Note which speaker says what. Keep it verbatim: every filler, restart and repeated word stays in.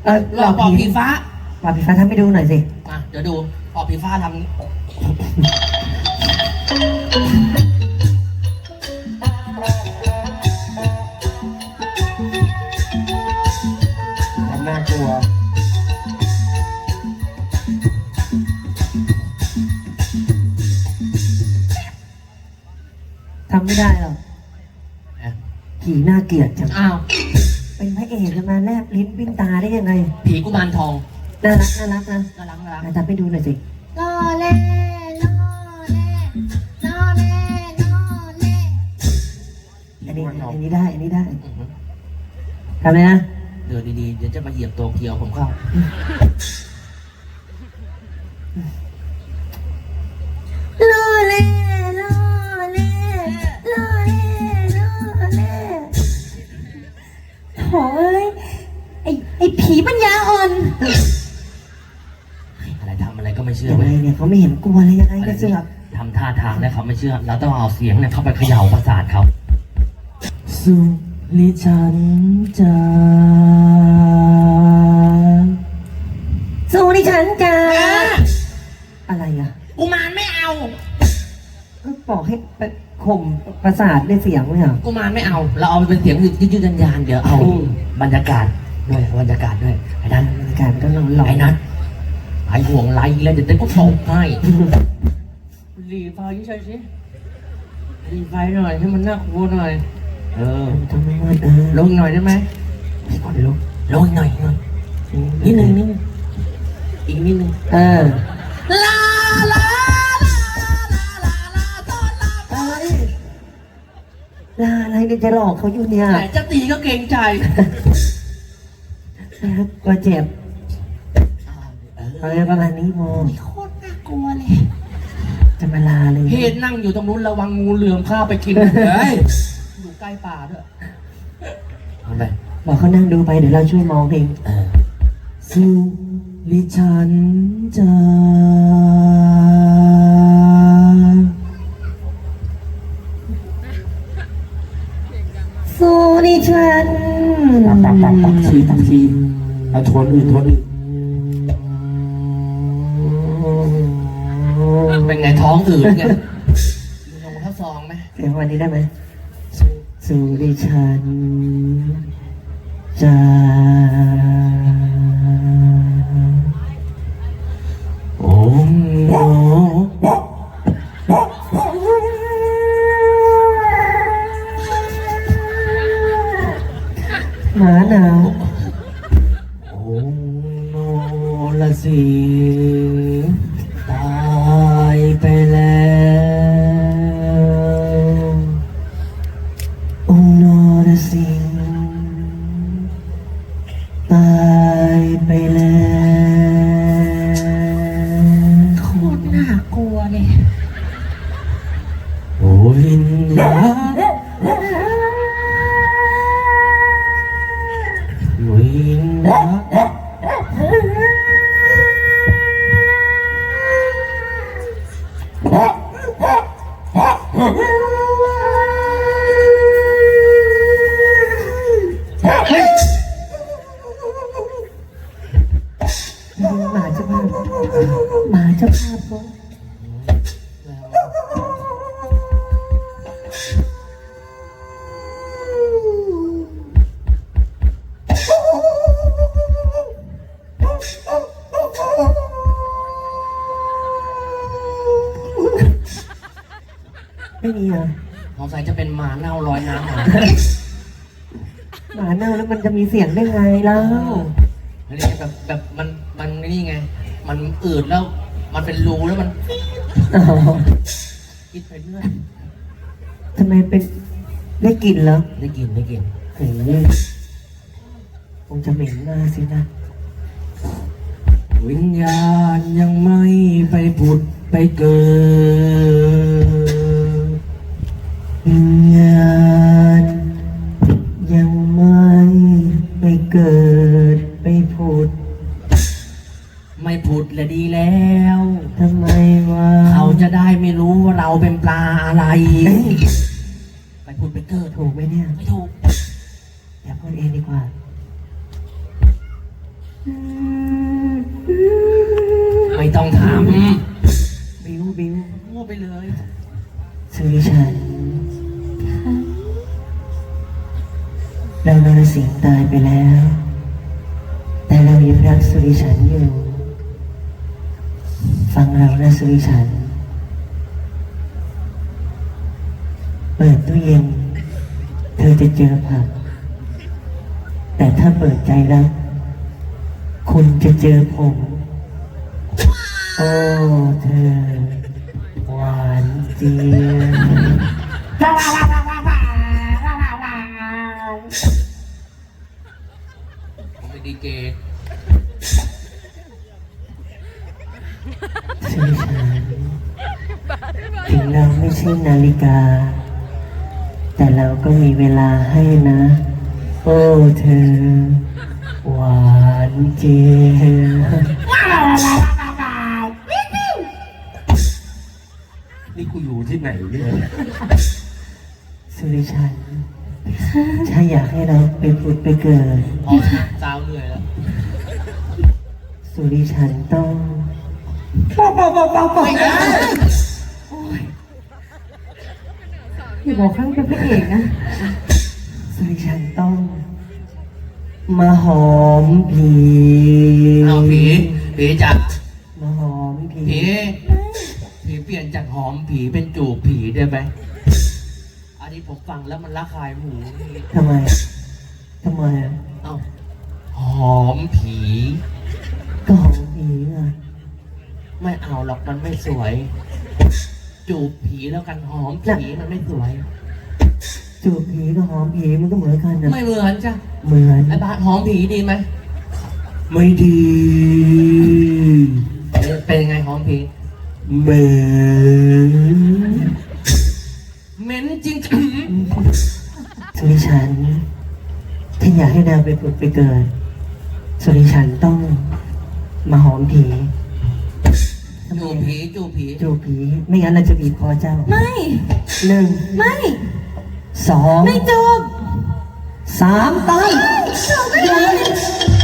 Speaker 1: ออ
Speaker 2: หลอกปอบผีฟ้า
Speaker 1: ปอบผีฟ้าทำให้ดูหน่อยสิ
Speaker 2: อ่ะเดี๋ยวดูปอบผีฟ้าทำ
Speaker 3: ทำน่ากลัว
Speaker 1: ทำไม่ได้หรอกผีน่าเกลียดจัง
Speaker 2: อ้าว
Speaker 1: เป็นพระเอกจะมาแลบลิ้นปิ้นตาได้ยังไง
Speaker 2: ผีกุมารทอง
Speaker 1: น่ารักน่ารักนะ
Speaker 2: น่ารักน่ารัก
Speaker 1: อ่ะทำให้ดูหน่อยสิ
Speaker 4: ล่อเล่ล่อเล่ล่อเล่ล่อเล่
Speaker 1: อันนี้อันนี้ได้ อันนี้ได้ทำเลยนะ
Speaker 2: เดี๋ยวดีๆเดี๋ยวจะมาเหยียบตัวเกียวผมเข้า
Speaker 4: ล่อเล่ล่อเล่ล่อเล่ล่อเล่โถ่เอ้ยไอ้ไอ้ผีปัญญาอ่อน
Speaker 2: อะไรทำอะไรก็ไม่เชื่อ
Speaker 1: ยัง
Speaker 2: เว้
Speaker 1: ไง
Speaker 2: ย
Speaker 1: เนี่ยเขาไม่เห็นกลัวเลยยังไงก็เสือก
Speaker 2: ทำท่าทางแล้วเขาไม่เชื่อ เราต้องเอาเสียงเนี่ยเข้าไปเขย่าประสาทเขา
Speaker 3: สุริฉันจะ
Speaker 1: สู้ดิฉันจ้าอะไรอ่ะ
Speaker 2: กุมารไม่เอา
Speaker 1: ก็บอกให้ไปข่มประสาทด้วยเสียงไม่เหรอ
Speaker 2: กุมารไม่เอา เราเอาไปเป็นเสียงยืดๆยานๆเดี๋ยวเอา
Speaker 1: อืม
Speaker 2: บรรยากาศด้วยบรรยากาศด้วยไอ้นั่น
Speaker 1: บรรยากาศมันก็ร้อนร้อน
Speaker 2: ไอ้นัทไอ้ห่วงไรแล้วเดี๋ยวเต้นก็ตกให้รีไฟใช่สิรีไฟหน่อยให้มันน่ากลัวหน่อย เออ
Speaker 1: ทำไมวะเออ
Speaker 2: ลงหน่อยได้ไหม
Speaker 1: ขอลุก
Speaker 2: ลงหน่อยหน่อยนิดนึงนิดนึงอีกนิดนึง
Speaker 1: เออ
Speaker 2: ลาลาลาลาลาตอนลา
Speaker 1: อะไรลาอะไรเนี่ยจะหลอกเขาอยู่เนี่ย
Speaker 2: แต่จะตีก็เกรงใจ
Speaker 1: กลัวเจ็บ
Speaker 2: เอ
Speaker 1: อะไร
Speaker 2: อ
Speaker 1: ประมาณนี้โม
Speaker 2: โคตรน่ากลัวเลย
Speaker 1: จะมาลาเลย
Speaker 2: เฮดนั่งอยู่ตรงนู้นระวังงูเหลือมข้าไปกินเลยอยู่ใกล้ป่าด้วยทำไม
Speaker 1: บอกเขานั่งดูไปเดี๋ยวเราช่วยมองเอง
Speaker 2: เออ
Speaker 3: สุริฉันจะ
Speaker 1: สู้ดิฉัน
Speaker 3: ปักปักปักปักทีปักทีเอาทวนอื่นทวนอื่น
Speaker 2: เป็นไงท้องอืดไงลงข้าวซองไหม
Speaker 1: เสียงวันนี้ได้ไหมสู้ดิฉันจะ
Speaker 3: โอ้โห
Speaker 1: หมาหนาว
Speaker 3: โอ้โนละสิตายไปแล้ว
Speaker 1: องค์นรสิงห์ตายไปแล้ว
Speaker 4: โคตรน่ากลัวเลย
Speaker 3: โอ้วิญญาณวิญญาณ
Speaker 1: หมาเจ้าภาพหมาเจ้าภาพเขา ไม่มีเหรอ
Speaker 2: สงสัยจะเป็นหมาเน่าลอยน้ำมา
Speaker 1: หมาเน่าแล้วมันจะมีเสียงได้ไงเล่า
Speaker 2: อันนี้แบบแบบมันมันนี่ไง มันอืดแล้ว มันเป็นรูแล้วมัน
Speaker 1: อ๋อ
Speaker 2: คิดไปเรื่อย
Speaker 1: ทำไมเป็นได้กลิ่นเหรอ
Speaker 2: ได้กินได้กิน
Speaker 1: โอ้โหคงจะเหม็นมากสินะ
Speaker 3: วิญญาณยังไม่ไปผุดไปเกิด
Speaker 1: วิญญาณยังไม่ไปเกิดไปผุด
Speaker 2: ไม่ผุดและดีแล้ว
Speaker 1: ทำไมวะ
Speaker 2: เขาจะได้ไม่รู้ว่าเราเป็นปลาอะไร ไปผุดไปเกิด
Speaker 1: ถูกไหมเนี่ย
Speaker 2: ไม่ถูก
Speaker 1: อย่าพูดเองดีกว่า
Speaker 2: ไม่ต้องท
Speaker 1: บิวบิว
Speaker 2: ำพูดไปเลย
Speaker 1: สุริชันเรานรสิงห์ตายไปแล้ว แต่เรายังรักสุริชันอยู่ ฟังเรานะสุริชัน เปิดตู้เย็น เธอจะเจอผัก แต่ถ้าเปิดใจแล้ว คุณจะเจอผม โอ้เธอ หวานเจี๊ยบ
Speaker 2: ผมเป็นดีเจ
Speaker 1: สุริชันถึงเราไม่ใช่นาฬิกา แต่เราก็มีเวลาให้นะ โอ้เธอ หวานเจี๊ยบ
Speaker 2: นี่กูอยู่ที่ไหนเนี่ย
Speaker 1: สุริชัน ถ้าอยากให้เราไปผุดไปเกิด
Speaker 2: พอนะสาวเหนื่อยแล้ว
Speaker 1: สุริชันต้อง
Speaker 2: ไม่ได้
Speaker 4: อย่าบอกข้างเป็นพระเอกนะ
Speaker 1: สุริชันต้อง มาหอมผี
Speaker 2: เอาผีผีจ๋า
Speaker 1: มาหอมผี
Speaker 2: ผีผีเปลี่ยนจากหอมผีเป็นจูบผีได้ไหมอันนี้ผมฟังแล้วมันละคายหู
Speaker 1: ทำไม ทำไมอ่ะ
Speaker 2: เอ้าหอมผี
Speaker 1: ก็หอมผีอ่ะ
Speaker 2: ไม่เอาหรอกมันไม่สวย จูบผีแล้วกันหอมผีมันไม่สวย
Speaker 1: จูบผีกับหอมผีมันก็เหมือนกันนะ
Speaker 2: ไม่เหมือนจ้ะ
Speaker 1: เหมือน
Speaker 2: ไอ้บาสหอมผีดีไหม
Speaker 1: ไม่ดี
Speaker 2: เป็นยังไงหอมผี
Speaker 1: เหมือน
Speaker 2: เหม็นจริง
Speaker 1: สุริชันถ้าอยากให้นางไปผุดไปเกิด สุริชันต้องมาหอมผี
Speaker 2: จูบผีจูบผี
Speaker 1: จูบผี ไม่งั้นเราจะบีบคอเจ้า
Speaker 4: ไม่
Speaker 1: หนึ่ง
Speaker 4: ไม่
Speaker 1: สอง
Speaker 4: ไม่จบ
Speaker 1: สามตาย
Speaker 4: จบไม่ได้